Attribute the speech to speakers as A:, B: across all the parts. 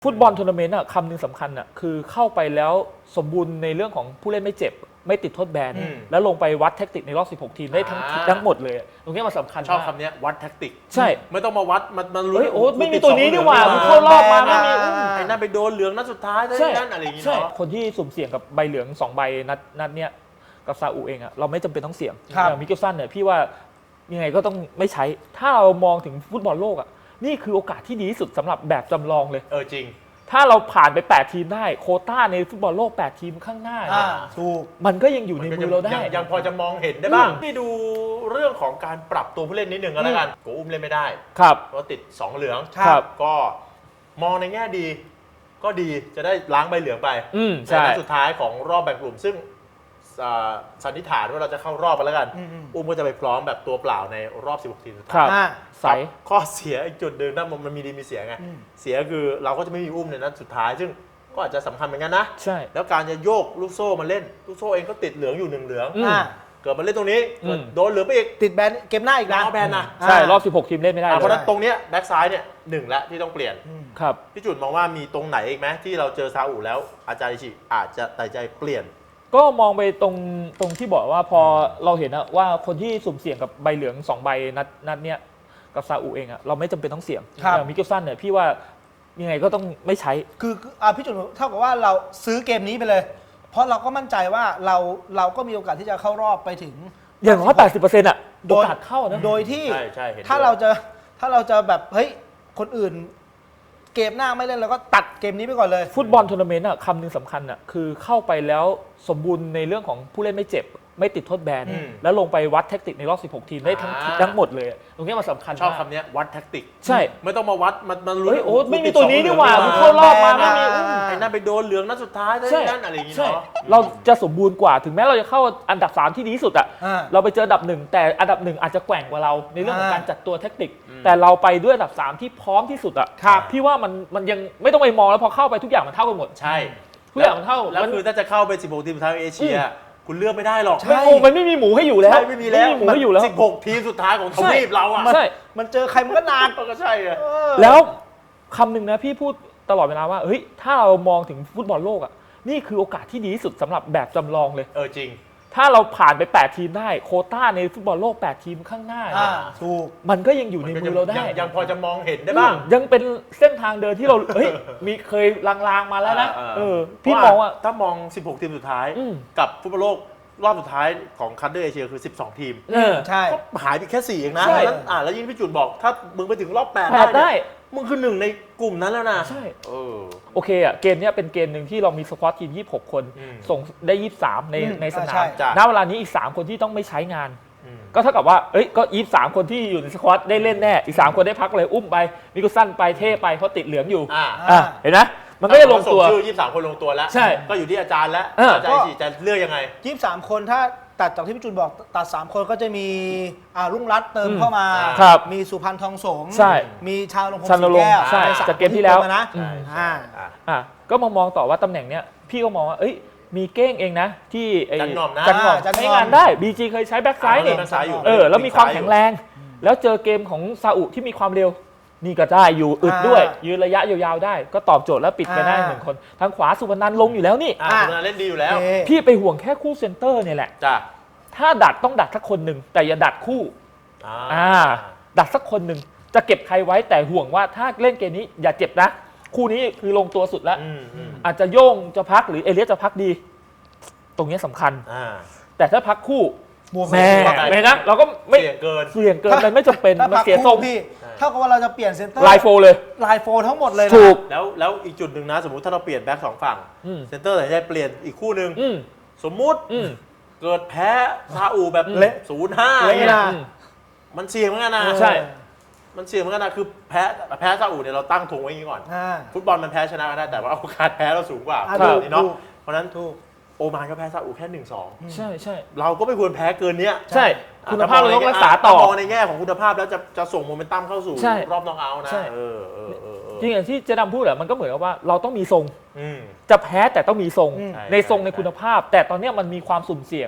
A: ฟุตบอลทัวร์นาเมนต์คำหนึ่งสำคัญคือเข้าไปแล้วสมบูรณ์ในเรื่องของผู้เล่นไม่เจ็บไม่ติดโทษแบนแล้วลงไปวัดแท็กติกในรอบ16ทีมได้ทั้งหมดเลยตรงนี้มันสำคัญ
B: ชอบคำนี้วัดแท็กติก
A: ใช่
B: ไม่ต้องมาวัดมันรู้
A: โอ้ไม่มีตัวนี้ดีกว่าเข้ารอบมาไม่มี
B: ไอ้นั่นไปโดนเหลืองนัดสุดท้ายนั่นอะไรอย่างเงี้ย
A: คนที่สุ่มเสี่ยงกับใบเหลือง2ใบนัดเนี้ยกับซาอุเองเราไม่จำเป็นต้องเสี่ยงอย่างมิเกลสันเนี่ยพี่ว่ายังไงก็ต้องไม่ใช้ถ้าเรามองถึงฟุตบอลโลกนี่คือโอกาสที่ดีที่สุดสำหรับแบบจำลองเลย
B: จริง
A: ถ้าเราผ่านไป8ทีมได้โควต้าในฟุตบอลโลก8ทีมข้างหน้า
B: ถูก
A: มันก็ยังอยู่ในมือเราได้
B: ยังพอจะมองเห็นได้บ้างที่ดูเรื่องของการปรับตัวผู้เล่นนิดนึงก็แล้วกันโกอุ้มเล่นไม่ได้
A: ครับ
B: เพราะติด2เหลือง
A: ครับ
B: ก็มองในแง่ดีก็ดีจะได้ล้างใบเหลืองไป
A: ใน
B: นัดสุดท้ายของรอบแบ่งกลุ่มซึ่งสันนิษฐานว่าเราจะเข้ารอบไปแล้วกันอุ้มก็จะไปพร้อมแบบตัวเปล่าในรอบ16ทีมสุดท้าย
A: ใส่
B: ข้อเสียอีกจุดหนึ่งนะมันมีดีมีเสียไงเสียคือเราก็จะไม่มีอุ้มในนัดสุดท้ายซึ่งก็อาจจะสำคัญเหมือนกันนะ
A: ใช่
B: แล้วการจะโยกลูกโซ่มาเล่นลูกโซ่เองก็ติดเหลืองอยู่1เหลืองเกิดมาเล่นตรงนี้โดนเหลืองไปอีก
C: ติดแบนเกมหน้าอีกนะ
B: แบนนะ
A: ใช่รอบ16ทีมเล่นไม่ได้
B: เพราะนั้นตรงเนี้ยแบ็กซ้ายเนี่ย1แล้วที่ต้องเปลี่ยน
A: ครับ
B: พี่จุดมองว่ามีตรงไหนอีกไหมที่เราเจอซาอุแล้วอาจารย์อิชิอาจจะตัดใจเปลี่ยน
A: ก็มองไปตรงที่บอกว่าพอเราเห็นว่าคนที่สุ่มเสี่ยงกับใบเหลือง2ใบนัดเนี้ยกับซาอุเองเราไม่จำเป็นต้องเสี่ยงอย่างมิเกลสันเนี่ยพี่ว่ายังไงก็ต้องไม่ใช้
C: คือพี่จุนเท่ากับว่าเราซื้อเกมนี้ไปเลยเพราะเราก็มั่นใจว่าเราก็มีโอกาสที่จะเข้ารอบไปถึง
A: อย่างน้อย80%โอกาสเข้านะ
C: โดยที่ถ้าเราจะแบบเฮ้ยคนอื่นเกมหน้าไม่เล่นแล้วก็ตัดเกมนี้ไปก่อนเลย
A: ฟุตบอลทัวร์นาเมนต์คำหนึ่งสำคัญคือเข้าไปแล้วสมบูรณ์ในเรื่องของผู้เล่นไม่เจ็บไม่ติดโทษแบนแล้วลงไปวัดแท็กติกในรอบ16ทีมได้ทั้งหมดเลยตรงนี้มันสำคัญ
B: ชอบคำนี้วัดแท็กติก
A: ใช่
B: ไม่ต้องมาวัดมันรู้
A: ไม่มีตัวนี้ดีกว่าเข้ารอบมาไม่มี
B: ไอ้นั่นไปโดนเหลืองนัดสุดท้ายนั่นอะไรอย่างเงี้ย
A: เราจะสมบูรณ์กว่าถึงแม้เราจะเข้าอันดับ3ที่ดีที่สุดเราไปเจออันดับ1แต่อันดับ1อาจจะแกว่งกว่าเราในเรื่องของการจัดตัวแท็กติกแต่เราไปด้วยอันดับ3ที่พร้อมที่สุดพี่ว่ามันยังไม่ต้องไปมองแล้วพอเข้าไปทุกอย่างมันเท่ากันหมด
B: ใช่
A: ทุกอย่างมันเท่า
B: แล้วคือถ้าจะเข้าไป16ทีมสุดท้ายเอเชียคุณเลือกไม่ได้หรอก
A: มันไม่มีหมูให้อยู่แล้ว
B: ไม่มีแล้ว
A: หมูให้อยู่แล้ว
B: 16ทีมสุดท้ายของทวีปเรา
A: ใช่
C: มันเจอใครมันก็นาน
B: ก็ใช่
A: แล้วคำหนึ่งนะพี่พูดตลอดเวลาว่าเฮ้ยถ้าเรามองถึงฟุตบอลโลกนี่คือโอกาสที่ดีที่สุดสำหรับแบบจำลองเลย
B: จริง
A: ถ้าเราผ่านไป8ทีมได้โควต้าในฟุตบอลโลก8ทีมข้างหน้า
C: ถูก
A: มันก็ยังอยู่ในมือเราได้
B: ยังพอจะมองเห็นได้บ้าง
A: ยังเป็นเส้นทางเดินที่เรามีเคยลางๆมาแล้วนะพี่มองว่า
B: ถ้ามอง16ทีมสุดท้ายกับฟุตบอลโลกรอบสุดท้ายของคัพเดอร์เอเชียคือ12ทีม
C: ใช่
B: ก็หายไปแค่4เองนะแล้วยิ่งพี่จุนบอกถ้ามึงไปถึงรอบ8ได้มึงคือ1ในกลุ่มนั้นแล้วนะ
A: ใช่โอเคเกมนี้เป็นเกมหนึ่งที่เรามีสควอตทีม26คนส่งได้23ในสนามณเวลานี้อีก3คนที่ต้องไม่ใช้งานก็เท่ากับว่าก็23คนที่อยู่ในสควอตได้เล่นแน่อีก3คนได้พักเลยอุ้มไปมิกุสั้นไปเท่ไปเพราะติดเหลืองอยู่เห็นไหมมันก็จะลงตัว
B: ชื่อ23คนลงตัวแล้ว
A: ใช่
B: ก็อยู่ที่อาจารย์แล้วอาจารย์จะเลือกยังไง
C: 23คนถ้าตัดจากที่พี่จุนบอกตัด3คนก็จะมีรุ่งรัตน์เติมเข้ามามีสุพรรณทองสงมีชาวลงพงศ์ศรีแก้ว
A: จากเกมที่แล้ว
C: นะ
A: ก็มองต่อว่าตำแหน่งเนี้ยพี่ก็มองว่ามีเก้งเองนะที่
B: จันหน่อม
A: ใช้งานได้บีจีเคยใช้แบ็คไซด์นี่แล้วมีความแข็งแรงแล้วเจอเกมของซาอุที่มีความเร็วนี่ก็ได้อยู่อึดด้วยยืนระยะยาวๆได้ก็ตอบโจทย์แล้วปิดไปได้1คนทางขวาสุพนันลงอยู่แล้วนี่
B: สุพนันเล่นดีอยู่แล้ว
A: พี่ไปห่วงแค่คู่เซนเตอร์เนี่ยแหละถ้าดัดต้องดัดสักคนหนึ่งแต่อย่าดัดคู่ดัดสักคนหนึ่งจะเก็บใครไว้แต่ห่วงว่าถ้าเล่นเกมนี้อย่าเจ็บนะคู่นี้คือลงตัวสุดแล้วอาจจะโย่งจะพักหรือเอเลียสจะพักดีตรงนี้สำคัญแต่ถ้าพักคู่แม่นะเราก็ไม่เสี่ยงเกินมันไม่จำเป็นมันเสียทรง
C: พี่เท่ากับว่าเราจะเปลี่ยนเซนเตอร์
A: ไลน์โฟเลย
C: ไลน์โฟทั้งหมดเลย
A: ถูก
B: แล้วอีกจุดหนึ่งนะสมมุติถ้าเราเปลี่ยนแบ็ค2ฝั่งเซนเตอร์แต่จะเปลี่ยนอีกคู่หนึ่งสมมุติเกิดแพ้ซาอุแบบเละ0-5เนี่ยมันเสี่ยงเหมือนกันนะ
A: ใช่
B: มันเสี่ยงเหมือนกันนะคือแพ้ซาอุเนี่ยเราตั้งธงไว้อย่างนี้ก่อนฟุตบอลมันแพ้ชนะกันได้แต่ว่าโอกาสแพ้เราสูงกว่าเนาะเพราะนั้นโอมานก็แพ้ซาอุแค่ 1-2
A: ใช่ใช่
B: เราก็ไม่ควรแพ้เกินเนี้ย
A: ใช่คุณภาพเราต้องรักษาต่อ
B: มองในแง่ของคุณภาพแล้วจะส่งโมเมนตัมเข้าสู่รอบน็อกเอาท์นะ
A: จริงอย่างที่เจดำพูดมันก็เหมือนกับว่าเราต้องมีทรงจะแพ้แต่ต้องมีทรงในทรงในคุณภาพแต่ตอนนี้มันมีความสุ่มเสี่ยง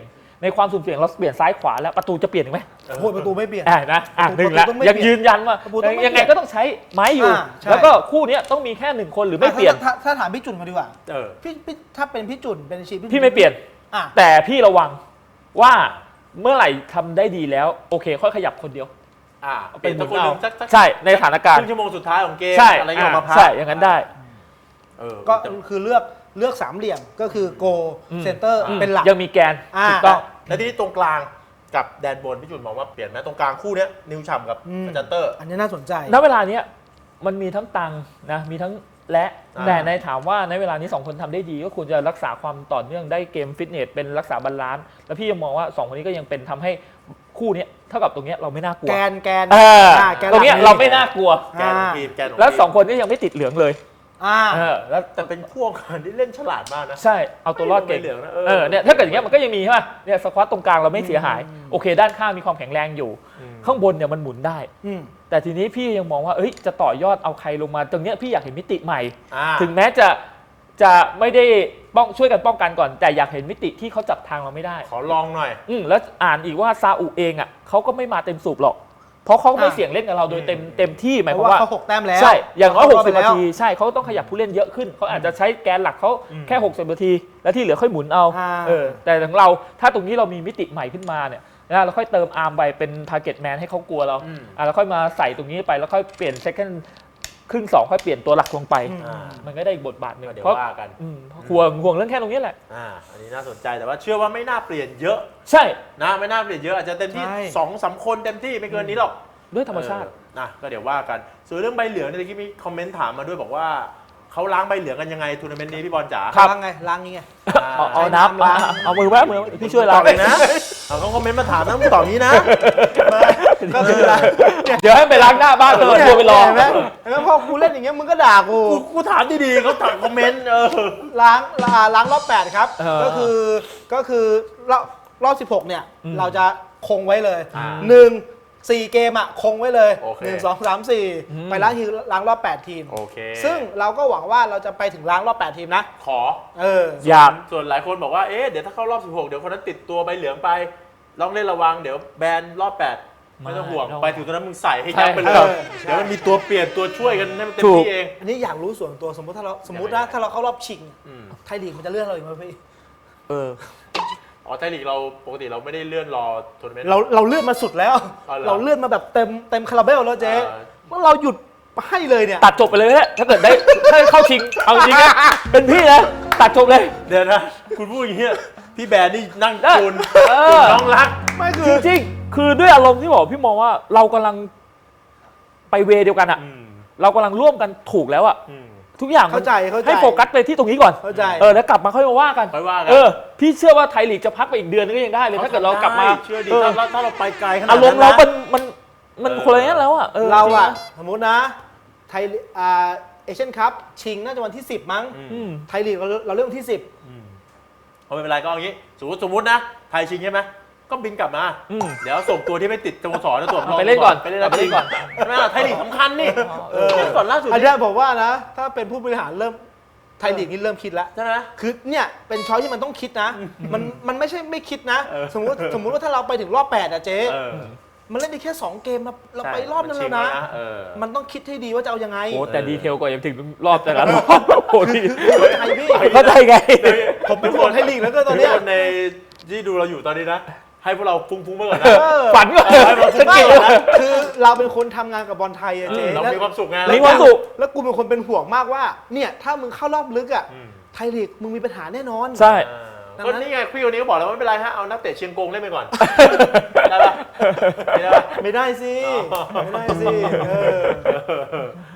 A: ในความสุ่มเสี่ยงเราเปลี่ยนซ้ายขวาแล้วประตูจะเปลี่ยนอีกไหม
C: โอ้โหประตูไม่เปลี่ยน
A: นะหนึ่ง
C: ประตู
A: ละ
C: ต้องไม่
A: ยังยืนยันว่า
C: ประตูต้องไม่
A: ยังไงก็ต้องใช้ไม้อยู่
C: ใช่
A: แล้วก็คู่เนี้ยต้องมีแค่1คนหรือไม่เปลี่ยน
C: ถ้าถามพี่จุนกันดีกว่า
B: เออ
C: พี่ถ้าเป็นพี่จุนเป็นอาชีพ
A: พี่ไม่เปลี่ยน
C: อ่ะ
A: แต่พี่ระวังว่าเมื่อไหร่ทำได้ดีแล้วโอเคค่อยขยับคนเดียว
B: เปลี่ยนสักคนหนึ่งสัก
A: ใช่ในสถานการ
B: ค
A: ณ์
B: รึ่งชั่วโมงสุดท้ายของเกม
A: ใช่
B: อะไรอย่างเงี้ยออกมาพัก
A: ใช่อย่างนั้นได้
C: ก็
B: แต่
C: คือเลือกสามเหลี่ยมก็คือโกเซนเตอร์เป็นหลัก
A: ยังมีแกน
C: อ่า
A: ถูกต้อง
B: แล้วที่ตรงกลางกับแดนบนพี่จุนมองว่าเปลี่ยนไหมตรงกลางคู่เนี้ยนิวฉ่ำกับจันเตอร์
C: อันนี้น่าสนใจ
A: ณเวลาเนี้ยมันมีทั้งตังนะมีทั้งและ
B: อ่า
A: แต่ในถามว่าในเวลานี้2คนทำได้ดีก็ควรจะรักษาความต่อเนื่องได้เกมฟิตเนสเป็นรักษาบาลานซ์แล้วพี่ยังมองว่า2คนนี้ก็ยังเป็นทำให้คู่เนี้ยเท่ากับตรงเนี้ยเราไม่น่ากลัว
C: แกน
A: แก
C: หลัก
A: ตรงเนี้ยเราไม่น่ากลัว
B: แกนของทีมแกนของทีม
A: แล้ว2คนนี้ยังไม่ติดเหลืองเลย
B: แล้วแต่เป็นพวกคนที่เล่นฉลาดมากนะ
A: ใช่เอาตัวรอดเก่ง
B: ไม่เหลืองนะ
A: เนี่ยถ้าเกิดอย่างเงี้ยมันก็ยังมีใช่ป่ะเนี่ยสควอตตรงกลางเราไม่เสียหายโอเคด้านข้างมีความแข็งแรงอยู่ ข้างบนเนี่ยมันหมุนได้ แต่ทีนี้พี่ยังมองว่าจะต่อยอดเอาใครลงมาตรงเนี้ยพี่อยากเห็นมิติใหม่ ถึงแม้จะไม่ได้ช่วยกันป้องกันก่อนแต่อยากเห็นมิติที่เขาจับทางเราไม่ได้
B: ขอลองหน่อย
A: แล้วอ่านอีกว่าซาอุเองอ่ะเขาก็ไม่มาเต็มสูบหรอกเพราะเขาไม่เสี่ยงเล่นกับเราโดยเต็มที่หมาย
C: เพ
A: ความ
C: ราะว่า
A: ว่า
C: เขา6 แต้มแล้ว
A: ใช่อย่างน้อย
C: เข
A: 60
C: ไป
A: นาทีใช่เขาต้องขยับผู้เล่นเยอะขึ้นเขาอาจจะใช้แกนหลักเขาแค่60นาทีแล้วที่เหลือค่อยหมุนเอาแต่ของเราถ้าตรงนี้เรามีมิติใหม่ขึ้นมาเนี่ยนะเราค่อยเติมอาร์มไปเป็น target man ให้เขากลัวเราแล้วค่อยมาใส่ตรงนี้ไปแล้วค่อยเปลี่ยน second ครึ่ง2ค่อยเปลี่ยนตัวหลักลงไปมันก็ได้อีกบทบาทหนึง
B: เดี๋ยว
A: เพราะ
B: ว่ากัน
A: ห่วงเรื่องแค่ตรงนี้แหละ
B: อันนี้น่าสนใจแต่ว่าเชื่อว่าไม่น่าเปลี่ยนเยอะ
A: ใช่
B: นะไม่น่าเปลี่ยนเยอะอาจจะเต็มที่ 2-3 คนเต็มที่ไม่เกินนี้หรอก
A: ด้วยธรรมชาติ
B: ก็เดี๋ยวว่ากันส่วนเรื่องใบเหลืองเนี่ยเมื่อกี้มีคอมเมนต์ถามมาด้วยบอกว่าเขาล้างใบเหลืองกันยังไงทัวร์นาเมนต์นี้พี่บอลจ๋า
C: ล้างไงล้างนี้ไง
A: เอาน้ำเอามือไว้มือพี่ช่วย
B: ต
A: เรา
B: อบเลยนะเขาคอมเมนต์มาถามนะมึงตอบนี้นะ
C: ก็คือล้าง
A: เดี๋ยวให้ไปล้างหน้าบ้านเลยตัวไปรอ
C: เห็นไหมพอกูเล่นอย่างเงี้ยมึงก็ด่ากู
B: กูถามดีๆเขาถามคอมเมนต์
C: ล้างรอบ8ครับก็คือรอบ16เนี่ยเราจะคงไว้เลย4 เกมคงไว้เลย1 2 3 4ไปล้างรอบ8ทีม
B: โอเค
C: ซึ่งเราก็หวังว่าเราจะไปถึงล้างรอบ8ทีมนะ
B: ขอ
A: อยาก
B: ส่วนหลายคนบอกว่าเดี๋ยวถ้าเข้ารอบ16เดี๋ยวคนนั้นติดตัวใบเหลืองไปลองเล่นระวังเดี๋ยวแบนรอบ8ไม่ต้องห่วงไปถึงตอนนั้นมึงใส่ให้ยับไปเลยเดี๋ยวมันมีตัวเปลี่ยนตัวช่วยกันให้มันเต็มที่เอง
C: อันนี้อยากรู้ส่วนตัวสมมตินะถ้าเราเข้ารอบชิงไทยลีกมันจะเลื่อนเราอีกไหมพี่
B: ไทยลีกเราปกติเราไม่ได้เลื่อนรอทัวร์นาเมนต์
C: เราเลื่อนมาสุดแล้ว เราเลื่อนมาแบบเต็มคาราเบลแล้วเจ๊ว่าเราหยุดให้เลยเนี่ย
A: ตัดจบไปเลยนะถ้าเกิดได้ถ้าเข้าชิงเอาจริงนะเป็นพี่นะตัดจบเลย
B: เดี๋ยวนะคุณพูดอย่างเงี้ยพี่แบนนี่นั่งจูนน้องรัก
C: ไม่คื
A: จ
C: อ
A: ริงๆคือด้วยอารมณ์ที่บอกพี่มองว่าเรากำลังไปเวเดียวกันอ่ะเรากำลังร่วมกันถูกแล้วอ่ะทุกอย่าง
C: เข้าใจ
A: ให้โฟกัสไปที่ตรงนี้ก่อน
C: เข้าใจ
A: แล้วกลับมาค่อยมาว่ากันพี่เชื่อว่าไทยลีกจะพักไปอีกเดือนนึงก็ยังได้เลยถ้าเกิดเรากลับมา
B: เชื่อดีถ้าเราไปไกลขนาดนั้น
A: อารมณ์เรามันคนละอย่างแล้วอ่ะ
C: เราอะสมมตินะไทยเอเชียนคัพชิงน่าจะวันที่ 10 มั้งไทยลีกเราเริ่มวันที่ 10
B: ไม่เป็นไรก็อย่างนี้สมมตินะไทยชิงใช่ไหมก็บินกลับมาเดี๋ยวส่งตัวที่ไม่ติดสโมสรตัว
A: ไปเล่นก่อน
B: ไปเล่นก่อนใช่ไหมไทยลีกสำคัญนี่ก่อนล่าสุด
C: อันนี้ผมว่านะถ้าเป็นผู้บริหารเริ่มไทยลีกนี่เริ่มคิดแล้ว
B: ใช่ไหม
C: คือเนี่ยเป็นช้อยที่มันต้องคิดนะมันไม่ใช่ไม่คิดนะสมมติว่าถ้าเราไปถึงรอบ8อะเจ๊มันเล่นได้แค่2 เกมเราไปรอบนั้นแล้วนะมันต้องคิดให้ดีว่าจะเอายังไง
A: โอ้แต่ดีเทลกว่ายังถึงรอบแต่ละรอบโอ้ดี
C: ไทยพี่
A: เข้าใจไง
C: ผมเป็นคนไทยลีกแล้วก็ตอนเนี้ย
B: คนในที่ดูเราอยู่ตอนนี้นะให้พวกเราฟุ้งๆไปก่อนนะ
A: ฝันก่อน
C: ไม่คือเราเป็นคนทำงานกับบอลไทยอะเจ๊
B: เรามีความสุขไง
A: มีความสุข
C: แล้วกูเป็นคนเป็นห่วงมากว่าเนี่ยถ้ามึงเข้ารอบลึกอะไทยลีกมึงมีปัญหาแน่นอน
A: ใช่
B: ก็นี่ไงพี่คนนี้ก็บอกแล้วว่าไม่เป็นไรฮะเอานักเตะเชียงกงเล่นไปก่อนได้ปะไม่ได้ปะ
C: ไม่ได้สิไม่ได้สิ